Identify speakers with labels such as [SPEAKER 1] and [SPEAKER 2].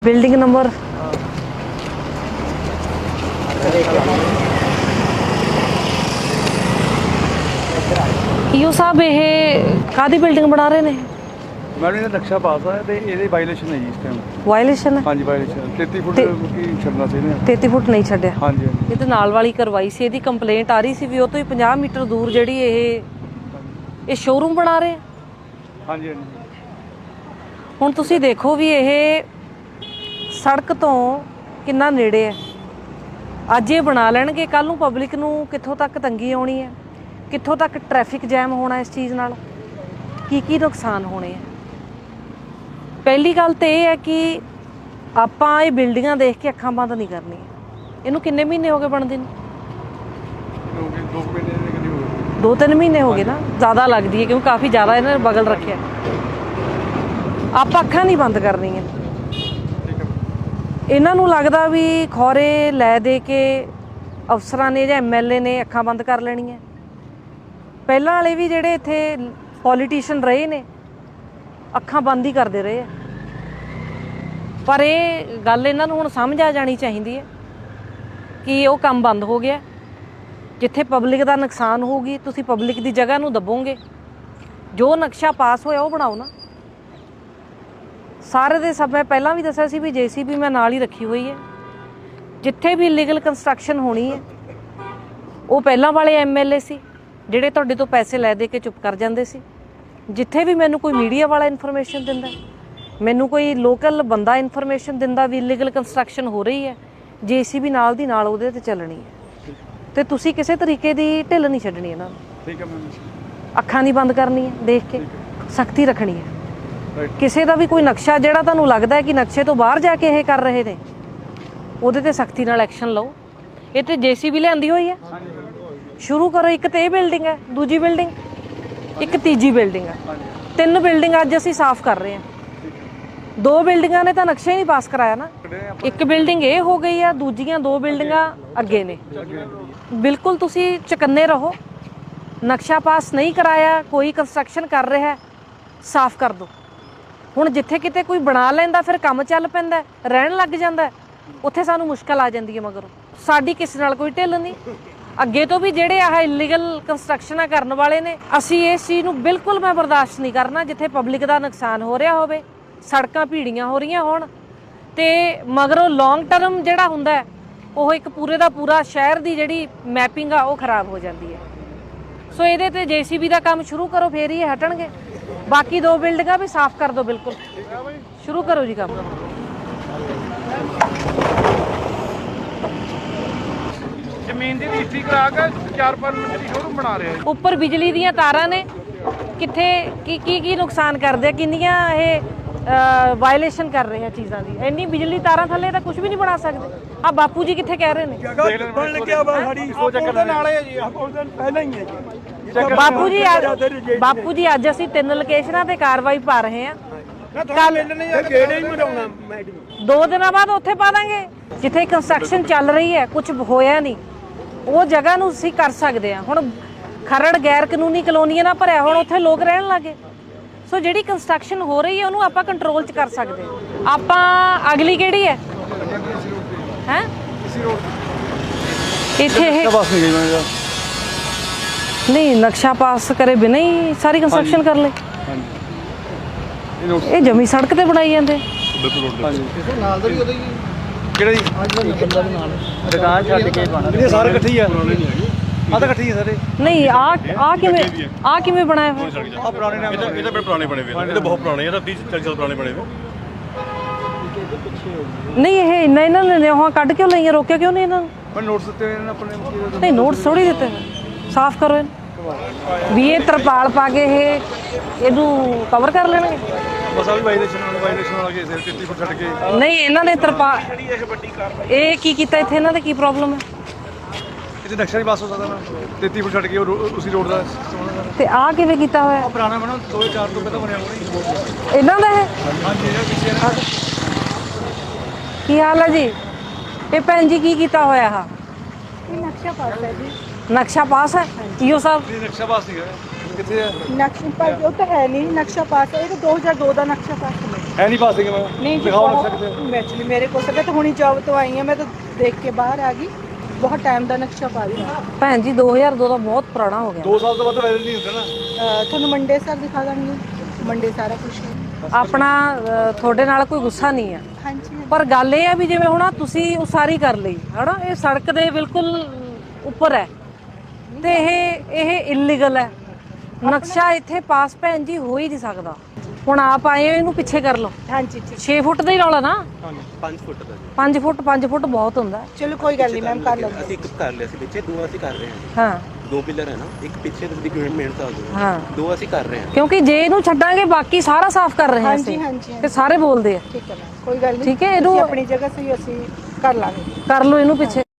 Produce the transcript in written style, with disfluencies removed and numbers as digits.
[SPEAKER 1] Building number EO साहब ये कादी बिल्डिंग बना रहे ने
[SPEAKER 2] मैडम ये नक्शा पास है तो ये वायलेशन है जी इस टाइम।
[SPEAKER 1] वायलेशन है।
[SPEAKER 2] हाँ जी वायलेशन 33 फुट की छड़ना चाहिए।
[SPEAKER 1] 33 फुट नहीं छड्या।
[SPEAKER 2] हाँ जी
[SPEAKER 1] ये तो नाल वाली करवाई सी, ਇਹਦੀ ਕੰਪਲੇਂਟ ਆ ਰਹੀ ਸੀ ਵੀ ਉਹ ਤੋਂ ਹੀ 50 ਮੀਟਰ ਦੂਰ ਜਿਹੜੀ ਇਹ ਸ਼ੋਰੂਮ ਬਣਾ ਰਹੇ ਆ।
[SPEAKER 2] हाँ जी।
[SPEAKER 1] ਹੁਣ ਤੁਸੀਂ ਦੇਖੋ ਵੀ ਇਹ ਸੜਕ ਤੋਂ ਕਿੰਨਾ ਨੇੜੇ ਹੈ। ਅੱਜ ਇਹ ਬਣਾ ਲੈਣਗੇ, ਕੱਲ ਨੂੰ ਪਬਲਿਕ ਨੂੰ ਕਿੱਥੋਂ ਤੱਕ ਤੰਗੀ ਆਉਣੀ ਹੈ, ਕਿੱਥੋਂ ਤੱਕ ਟ੍ਰੈਫਿਕ ਜੈਮ ਹੋਣਾ ਇਸ ਚੀਜ਼ ਨਾਲ, ਕੀ ਨੁਕਸਾਨ ਹੋਣੇ ਆ। ਪਹਿਲੀ ਗੱਲ ਤਾਂ ਇਹ ਹੈ ਕਿ ਆਪਾਂ ਇਹ ਬਿਲਡਿੰਗਾਂ ਦੇਖ ਕੇ ਅੱਖਾਂ ਬੰਦ ਨਹੀਂ ਕਰਨੀਆਂ। ਇਹਨੂੰ ਕਿੰਨੇ ਮਹੀਨੇ ਹੋ ਗਏ ਬਣਦੇ ਨੂੰ? 2-3 ਮਹੀਨੇ ਹੋ ਗਏ ਨਾ, ਜ਼ਿਆਦਾ ਲੱਗਦੀ ਹੈ ਕਿਉਂਕਿ ਕਾਫੀ ਜ਼ਿਆਦਾ ਇਹਨਾਂ ਨੇ ਬਗਲ ਰੱਖਿਆ। ਆਪਾਂ ਅੱਖਾਂ ਨਹੀਂ ਬੰਦ ਕਰਨੀਆਂ। ਇਹਨਾਂ ਨੂੰ ਲੱਗਦਾ ਵੀ ਖੌਰੇ ਲੈ ਦੇ ਕੇ ਅਫਸਰਾਂ ਨੇ ਜਾਂ ਐਮਐਲਏ ਨੇ ਅੱਖਾਂ ਬੰਦ ਕਰ ਲੈਣੀਆਂ। ਪਹਿਲਾਂ ਵਾਲੇ ਵੀ ਜਿਹੜੇ ਇੱਥੇ ਪੋਲੀਟੀਸ਼ੀਅਨ ਰਹੇ ਨੇ ਅੱਖਾਂ ਬੰਦ ਹੀ ਕਰਦੇ ਰਹੇ ਆ। ਪਰ ਇਹ ਗੱਲ ਇਹਨਾਂ ਨੂੰ ਹੁਣ ਸਮਝ ਆ ਜਾਣੀ ਚਾਹੀਦੀ ਹੈ ਕਿ ਉਹ ਕੰਮ ਬੰਦ ਹੋ ਗਿਆ। ਜਿੱਥੇ ਪਬਲਿਕ ਦਾ ਨੁਕਸਾਨ ਹੋਊਗੀ ਤੁਸੀਂ ਪਬਲਿਕ ਦੀ ਜਗ੍ਹਾ ਨੂੰ ਦੱਬੋਗੇ। ਜੋ ਨਕਸ਼ਾ ਪਾਸ ਹੋਇਆ ਉਹ ਬਣਾਓ ਨਾ। ਸਾਰੇ ਦੇ ਸਭ ਮੈਂ ਪਹਿਲਾਂ ਵੀ ਦੱਸਿਆ ਸੀ ਵੀ ਜੇਸੀਬੀ ਮੈਂ ਨਾਲ ਹੀ ਰੱਖੀ ਹੋਈ ਹੈ। ਜਿੱਥੇ ਵੀ ਇਲੀਗਲ ਕੰਸਟਰਕਸ਼ਨ ਹੋਣੀ ਹੈ ਉਹ ਪਹਿਲਾਂ ਵਾਲੇ ਐਮਐਲਏ ਸੀ ਜਿਹੜੇ ਤੁਹਾਡੇ ਤੋਂ ਪੈਸੇ ਲੈ ਦੇ ਕੇ ਚੁੱਪ ਕਰ ਜਾਂਦੇ ਸੀ। ਜਿੱਥੇ ਵੀ ਮੈਨੂੰ ਕੋਈ ਮੀਡੀਆ ਵਾਲਾ ਇਨਫੋਰਮੇਸ਼ਨ ਦਿੰਦਾ, ਮੈਨੂੰ ਕੋਈ ਲੋਕਲ ਬੰਦਾ ਇਨਫੋਰਮੇਸ਼ਨ ਦਿੰਦਾ ਵੀ ਇਲੀਗਲ ਕੰਸਟਰਕਸ਼ਨ ਹੋ ਰਹੀ ਹੈ, ਜੇਸੀਬੀ ਨਾਲ ਦੀ ਨਾਲ ਉਹਦੇ ਤੇ ਚੱਲਣੀ ਹੈ। ਤੇ ਤੁਸੀਂ ਕਿਸੇ ਤਰੀਕੇ ਦੀ ਢਿੱਲ ਨਹੀਂ ਛੱਡਣੀ ਇਹਨਾਂ ਨੂੰ।
[SPEAKER 2] ठीक है मैम।
[SPEAKER 1] ਅੱਖਾਂ ਨਹੀਂ ਬੰਦ ਕਰਨੀ ਹੈ, ਦੇਖ ਕੇ ਸਖਤੀ ਰੱਖਣੀ ਹੈ। ਕਿਸੇ ਦਾ ਵੀ ਕੋਈ ਨਕਸ਼ਾ ਜਿਹੜਾ ਤੁਹਾਨੂੰ ਲੱਗਦਾ ਹੈ ਕਿ ਨਕਸ਼ੇ ਤੋਂ ਬਾਹਰ ਜਾ ਕੇ ਇਹ ਕਰ ਰਹੇ ਨੇ, ਉਹਦੇ ਤੇ ਸਖਤੀ ਨਾਲ ਐਕਸ਼ਨ ਲਓ। ਇਹ ਤੇ ਜੇਸੀਬੀ ਲਿਆਂਦੀ ਹੋਈ ਹੈ, ਸ਼ੁਰੂ ਕਰੋ। ਇੱਕ ਤੇ ਇਹ ਬਿਲਡਿੰਗ ਹੈ, ਦੂਜੀ ਬਿਲਡਿੰਗ, ਇੱਕ ਤੀਜੀ ਬਿਲਡਿੰਗ ਹੈ। 3 ਬਿਲਡਿੰਗ ਅੱਜ ਅਸੀਂ ਸਾਫ਼ ਕਰ ਰਹੇ ਹਾਂ। 2 ਬਿਲਡਿੰਗਾਂ ਨੇ ਤਾਂ ਨਕਸ਼ਾ ਹੀ ਨਹੀਂ ਪਾਸ ਕਰਾਇਆ ਨਾ। ਇੱਕ ਬਿਲਡਿੰਗ ਇਹ ਹੋ ਗਈ ਆ, ਦੂਜੀਆਂ 2 ਬਿਲਡਿੰਗਾਂ ਅੱਗੇ ਨੇ। ਬਿਲਕੁਲ ਤੁਸੀਂ ਚੁਕੰਨੇ ਰਹੋ। ਨਕਸ਼ਾ ਪਾਸ ਨਹੀਂ ਕਰਾਇਆ, ਕੋਈ ਕੰਸਟਰਕਸ਼ਨ ਕਰ ਰਿਹਾ, ਸਾਫ਼ ਕਰ ਦਿਓ। ਹੁਣ ਜਿੱਥੇ ਕਿਤੇ ਕੋਈ ਬਣਾ ਲੈਂਦਾ ਫਿਰ ਕੰਮ ਚੱਲ ਪੈਂਦਾ, ਰਹਿਣ ਲੱਗ ਜਾਂਦਾ, ਉੱਥੇ ਸਾਨੂੰ ਮੁਸ਼ਕਲ ਆ ਜਾਂਦੀ ਹੈ। ਮਗਰ ਸਾਡੀ ਕਿਸੇ ਨਾਲ ਕੋਈ ਢਿੱਲ ਨਹੀਂ। ਅੱਗੇ ਤੋਂ ਵੀ ਜਿਹੜੇ ਆਹ ਇਲੀਗਲ ਕੰਸਟਰਕਸ਼ਨਾਂ ਕਰਨ ਵਾਲੇ ਨੇ, ਅਸੀਂ ਇਸ ਚੀਜ਼ ਨੂੰ ਬਿਲਕੁਲ ਮੈਂ ਬਰਦਾਸ਼ਤ ਨਹੀਂ ਕਰਨਾ। ਜਿੱਥੇ ਪਬਲਿਕ ਦਾ ਨੁਕਸਾਨ ਹੋ ਰਿਹਾ ਹੋਵੇ, ਸੜਕਾਂ ਭੀੜੀਆਂ ਹੋ ਰਹੀਆਂ ਹੋਣ, ਤੇ ਮਗਰੋਂ ਲੌਂਗ ਟਰਮ ਜਿਹੜਾ ਹੁੰਦਾ ਹੈ ਉਹ ਇੱਕ ਪੂਰੇ ਦਾ ਪੂਰਾ ਸ਼ਹਿਰ ਦੀ ਜਿਹੜੀ ਮੈਪਿੰਗ ਆ ਉਹ ਖਰਾਬ ਹੋ ਜਾਂਦੀ ਹੈ। ਸੋ ਇਹਦੇ ਤੇ ਜੇਸੀਬੀ ਦਾ ਕੰਮ ਸ਼ੁਰੂ ਕਰੋ, ਫੇਰ ਹੀ ਇਹ ਹਟਣਗੇ। ਬਾਕੀ 2 ਬਿਲਡਿੰਗਾਂ ਵੀ ਸਾਫ਼ ਕਰ ਦਿਓ। ਬਿਲਕੁਲ ਸ਼ੁਰੂ ਕਰੋ ਜੀ ਕੰਮ।
[SPEAKER 2] ਜ਼ਮੀਨ ਦੀ ਰਜਿਸਟਰੀ ਕਰਾ ਕੇ 4-5 ਮਿੰਟ ਦੀ ਸ਼ੋਰੂਮ ਬਣਾ ਰਹੇ ਆ।
[SPEAKER 1] ਉੱਪਰ ਬਿਜਲੀ ਦੀਆਂ ਤਾਰਾਂ ਨੇ, ਕਿੱਥੇ ਕੀ ਨੁਕਸਾਨ ਕਰਦੇ ਆ, ਕਿੰਨੀਆਂ ਇਹ ਵਾਇਲੇਸ਼ਨ ਕਰ ਰਹੇ ਆ ਚੀਜ਼ਾਂ ਦੀ। ਇੰਨੀ ਬਿਜਲੀ ਤਾਰਾਂ ਥੱਲੇ ਤਾਂ ਕੁਝ ਵੀ ਨਹੀਂ ਬਣਾ ਸਕਦੇ। ਆ ਬਾਪੂ ਜੀ ਕਿੱਥੇ ਕਹਿ ਰਹੇ ਨੇ?
[SPEAKER 2] ਬਣ ਲੱਗਿਆ ਬਾ ਸਾਡੀ ਸੋਚ ਦੇ ਨਾਲ ਹੈ ਜੀ। ਪਹਿਲਾਂ ਹੀ ਹੈ ਜੀ।
[SPEAKER 1] ਬਾਪੂ ਜੀ ਅੱਜ ਅਸੀਂ 3 ਲੋਕੇਸ਼ਨਾਂ ਤੇ ਕਾਰਵਾਈ ਪਾ ਰਹੇ ਹਾਂ।
[SPEAKER 2] ਕੱਲ ਗੇੜੇ ਹੀ ਮਰਾਉਣਾ ਮੈਡਮ।
[SPEAKER 1] 2 ਦਿਨਾਂ ਬਾਅਦ ਉੱਥੇ ਪਾ ਦਾਂਗੇ ਜਿੱਥੇ ਕੰਸਟਰਕਸ਼ਨ ਚੱਲ ਰਹੀ ਹੈ, ਕੁਝ ਹੋਇਆ ਨਹੀਂ, ਉਹ ਜਗ੍ਹਾ ਨੂੰ ਅਸੀਂ ਕਰ ਸਕਦੇ ਹਾਂ। ਹੁਣ ਖਰੜ ਗੈਰ ਕਾਨੂੰਨੀ ਕਲੋਨੀਆਂ ਨਾਲ ਭਰਿਆ, ਹੁਣ ਉੱਥੇ ਲੋਕ ਰਹਿਣ ਲੱਗੇ। ਸੋ ਜਿਹੜੀ ਕੰਸਟਰਕਸ਼ਨ ਹੋ ਰਹੀ ਹੈ ਉਹਨੂੰ ਆਪਾਂ ਕੰਟਰੋਲ 'ਚ ਕਰ ਸਕਦੇ ਹਾਂ। ਆਪਾਂ ਅਗਲੀ ਕਿਹੜੀ ਹੈ ਇੱਥੇ ਇਹ ਨਹੀਂ ਨਕਸ਼ਾ ਪਾਸ ਕਰੇ ਬਿਨਾਂ ਹੀ ਸਾਰੀ ਕੰਸਟਰਕਸ਼ਨ ਕਰ ਲੈ। ਇਹ ਜਮੀ ਸੜਕ ਤੇ ਬਣਾਈ ਜਾਂਦੇ।
[SPEAKER 2] ਨਾਲ ਦਾ ਵੀ ਉਹਦਾ ਹੀ ਕਿਹੜਾ ਜੀ ਦੁਕਾਨ ਛੱਡ ਕੇ ਬਣਾ ਇਹ ਸਾਰੇ ਇਕੱਠੇ ਹੀ ਆ। ਆ ਤਾਂ ਇਕੱਠੇ ਹੀ ਆ ਸਾਰੇ। ਨਹੀਂ
[SPEAKER 1] ਆ ਕਿਵੇਂ ਬਣਾਇਆ ਹੋਇਆ?
[SPEAKER 2] ਆ ਪੁਰਾਣੇ ਨਾਮ
[SPEAKER 3] ਇਹ ਤਾਂ ਬੜੇ ਪੁਰਾਣੇ ਬਣੇ ਹੋਏ ਨੇ। ਇਹ ਤਾਂ ਬਹੁਤ ਪੁਰਾਣੇ, ਇਹ ਤਾਂ 30-40 ਸਾਲ ਪੁਰਾਣੇ ਬਣੇ ਹੋਏ।
[SPEAKER 1] ਨਹੀਂ ਇਹ ਇਹਨਾਂ ਨੇ ਉਹ ਕੱਢ ਕਿਉਂ ਲਈਆਂ, ਰੋਕਿਆ ਕਿਉਂ ਨਹੀਂ ਇਹਨਾਂ ਨੂੰ?
[SPEAKER 2] ਪਰ ਨੋਟਿਸ ਦਿੱਤੇ ਹੋਏ ਨੇ ਆਪਣੇ।
[SPEAKER 1] ਨਹੀਂ ਨੋਟਿਸ ਥੋੜੀ ਦਿੱਤੇ, ਸਾਫ਼ ਕਰੋ ਇਹਨੂੰ ਵੀ। ਇਹ ਤਰਪਾਲ ਪਾ ਕੇ ਇਹਨੂੰ ਕਵਰ ਕਰ ਲੈਣਗੇ।
[SPEAKER 2] ਬਸ ਆ ਵੀ ਵਾਇਲੇਸ਼ਨ ਵਾਲਾ ਕੇਸ ਹੈ। 33 ਫੁੱਟ ਛੱਡ ਕੇ
[SPEAKER 1] ਨਹੀਂ ਇਹਨਾਂ ਨੇ ਇਹ ਕੀ ਕੀਤਾ ਇੱਥੇ? ਇਹਨਾਂ ਦਾ ਕੀ ਪ੍ਰੋਬਲਮ ਹੈ?
[SPEAKER 2] ਇੱਥੇ ਨਕਸ਼ਾ ਨਹੀਂ ਪਾਸ ਹੋ ਸਕਦਾ ਨਾ। 33 ਫੁੱਟ ਛੱਡ ਕੇ ਉਸੇ ਰੋਡ ਦਾ
[SPEAKER 1] ਤੇ ਆਹ ਕਿਵੇਂ ਕੀਤਾ ਹੋਇਆ?
[SPEAKER 2] ਪੁਰਾਣਾ ਬਣਾ 2004 ਤੋਂ ਪਹਿਲਾਂ ਬਣਿਆ ਹੋਣਾ।
[SPEAKER 1] ਇਹਨਾਂ ਦਾ ਹੈ?
[SPEAKER 2] ਹਾਂਜੀ ਇਹਦਾ ਪਿੱਛੇ
[SPEAKER 1] ਕੀ ਹਾਲ ਹੈ ਜੀ? ਇਹ ਭੈਣ ਜੀ ਕੀ ਕੀਤਾ ਹੋਇਆ?
[SPEAKER 4] ਨਕਸ਼ਾ ਪਾਸ ਹੈ ਜੀ।
[SPEAKER 1] ਨਕਸ਼ਾ ਪਾਸ ਹੈ ਈਓ ਸਾਹਿਬ?
[SPEAKER 2] ਨਕਸ਼ਾ ਪਾਸ ਨਹੀਂ ਹੋਇਆ। ਕਿੱਥੇ ਹੈ
[SPEAKER 4] ਨਕਸ਼ਾ ਪਾਸ ਉਹ ਤਾਂ ਹੈ ਨਹੀਂ ਨਕਸ਼ਾ ਪਾਸ ਇਹ ਤਾਂ 2002 ਦਾ ਨਕਸ਼ਾ ਪਾਸ
[SPEAKER 2] ਹੈ ਨਹੀਂ ਪਾਸਿੰਗ ਮੈਂ
[SPEAKER 4] ਨਹੀਂ ਜੀ
[SPEAKER 2] ਦਿਖਾਓ ਨਕਸ਼ਾ ਕਿੱਥੇ
[SPEAKER 4] ਐਕਚੁਅਲੀ ਮੇਰੇ ਕੋਲ ਤਾਂ ਮੈਂ ਤਾਂ ਹੁਣੀ ਜੌਬ ਤੋਂ ਆਈ ਹਾਂ ਮੈਂ ਤਾਂ ਦੇਖ ਕੇ ਬਾਹਰ ਆ ਗਈ ਬਹੁਤ ਟਾਈਮ ਦਾ ਨਕਸ਼ਾ ਪਾ ਰਹੀ ਹਾਂ
[SPEAKER 1] ਭੈਣ ਜੀ 2002 ਦਾ ਬਹੁਤ ਪੁਰਾਣਾ ਹੋ ਗਿਆ
[SPEAKER 2] 2 ਸਾਲ ਤੋਂ ਵੱਧ ਵੈਲਿਡ ਨਹੀਂ ਹੁੰਦਾ ਨਾ
[SPEAKER 4] ਤੁਹਾਨੂੰ ਮੰਡੇ ਸਰ ਦਿਖਾ ਦਾਂਗੀ ਮੰਡੇ ਸਾਰਾ ਕੁਝ
[SPEAKER 1] ਆਪਣਾ ਤੁਹਾਡੇ ਨਾਲ ਕੋਈ ਗੁੱਸਾ ਨਹੀਂ ਹੈ
[SPEAKER 4] ਹਾਂਜੀ
[SPEAKER 1] ਪਰ ਗੱਲ ਇਹ ਹੈ ਵੀ ਜਿਵੇਂ ਹੁਣ ਤੁਸੀਂ ਉਸਾਰੀ ਕਰ ਲਈ ਹਨਾ ਇਹ ਸੜਕ ਦੇ ਬਿਲਕੁਲ ਉੱਪਰ ਹੈ ਤੇ ਇਹ ਇਲੀਗਲ ਹੈ ਨਕਸ਼ਾ ਇੱਥੇ ਪਾਸ ਭੈਣ ਜੀ ਹੋ ਹੀ ਨਹੀਂ ਸਕਦਾ ਹੁਣ ਆਪ ਆਏ ਹੋ ਇਹਨੂੰ ਪਿੱਛੇ ਕਰ ਲਓ
[SPEAKER 4] ਹਾਂਜੀ ਠੀਕ
[SPEAKER 1] 6 ਫੁੱਟ ਦਾ ਹੀ ਰੌਲਾ ਨਾ
[SPEAKER 5] 5 ਫੁੱਟ ਦਾ
[SPEAKER 1] 5 ਫੁੱਟ ਬਹੁਤ ਹੁੰਦਾ
[SPEAKER 4] ਚਲੋ ਕੋਈ ਗੱਲ ਨਹੀਂ ਮੈਮ ਕਰ ਲਵਾਂਗੇ
[SPEAKER 5] ਅਸੀਂ ਇੱਕ ਕਰ ਲਿਆ ਸੀ ਪਿੱਛੇ ਦੋ ਅਸੀਂ ਕਰ ਰਹੇ ਹਾਂ
[SPEAKER 1] ਹਾਂ
[SPEAKER 5] 2 ਪਿਲਰ ਹੈ ਨਾ ਇੱਕ ਪਿੱਛੇ ਤੁਸੀਂ ਮਿਹਨਤ ਆ ਗਏ
[SPEAKER 1] ਹਾਂ
[SPEAKER 5] ਦੋ ਅਸੀਂ ਕਰ ਰਹੇ ਹਾਂ
[SPEAKER 1] ਕਿਉਂਕਿ ਜੇ ਇਹਨੂੰ ਛੱਡਾਂਗੇ ਬਾਕੀ ਸਾਰਾ ਸਾਫ਼ ਕਰ ਰਹੇ ਹਾਂ
[SPEAKER 4] ਹਾਂਜੀ
[SPEAKER 1] ਅਸੀਂ
[SPEAKER 4] ਹਾਂਜੀ
[SPEAKER 1] ਤੇ ਸਾਰੇ ਬੋਲਦੇ ਆ
[SPEAKER 4] ਠੀਕ ਹੈ ਮੈਮ ਕੋਈ ਗੱਲ ਨਹੀਂ
[SPEAKER 1] ਠੀਕ ਹੈ ਇਹਨੂੰ
[SPEAKER 4] ਆਪਣੀ ਜਗ੍ਹਾ ਸਹੀ ਅਸੀਂ ਕਰ ਲਾਂਗੇ
[SPEAKER 1] ਕਰ ਲਓ ਇਹਨੂੰ ਪਿੱਛੇ